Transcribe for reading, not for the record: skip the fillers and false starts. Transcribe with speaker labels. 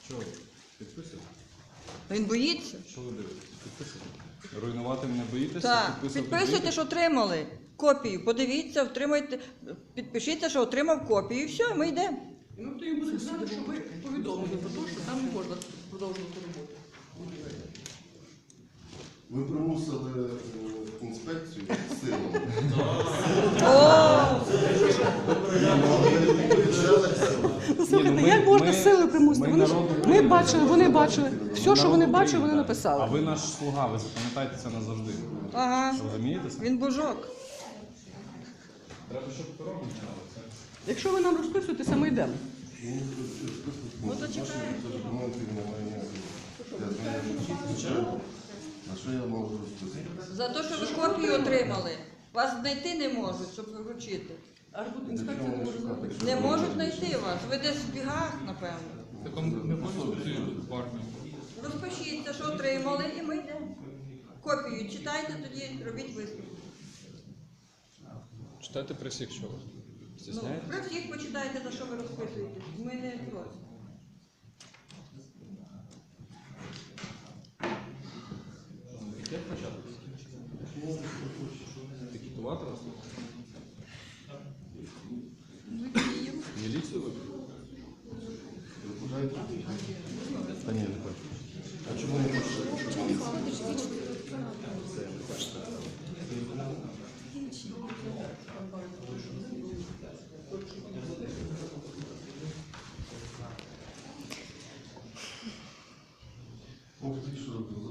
Speaker 1: Що, підписуєте?
Speaker 2: Він боїться.
Speaker 1: Що ви дивитесь? Підписуєте? Руйнувати не боїтеся?
Speaker 2: Так, підписуйте, що отримали копію. Подивіться, отримайте, підпишіться, що отримав копію, і все, і ми йдемо.
Speaker 3: І ми тоді будемо знати, що ви повідомили про те, що там не можна продовжувати роботу.
Speaker 4: Ви примусили інспекцію силами.
Speaker 3: Слухайте, як можна сили примусити? Ми бачили, вони бачили. Все, що вони бачили, вони
Speaker 1: А
Speaker 3: написали.
Speaker 1: ви наш слуга, ви запам'ятайте це назавжди.
Speaker 2: Ага,
Speaker 1: Розумієте це?
Speaker 2: він божок.
Speaker 1: Треба, щоб коробку знали.
Speaker 3: Якщо ви нам розписуєтеся, ми йдемо.
Speaker 2: Ну то чекаємо.
Speaker 4: На що я можу розписати?
Speaker 2: За те, що ви копію отримали. Вас знайти не можуть, щоб вручити.
Speaker 3: Аж тут інспекція не може зробити.
Speaker 2: Не можуть знайти вас. Ви десь в бігах, напевно.
Speaker 5: Так он не хоче бути парком.
Speaker 2: Розпишіться, що отримали, і ми йдемо. Копію читайте, тоді робіть висновок.
Speaker 5: Читайте пресі, якщо ви
Speaker 2: Ну,
Speaker 5: стісняєтесь.
Speaker 2: при всіх почитайте, за що ви розписуєтесь. Ми не проти.
Speaker 1: Як почати? Пікетувати вас? Міліцію викликати?
Speaker 4: Та ні, не хочу. А чому не хочете? Ну, ти що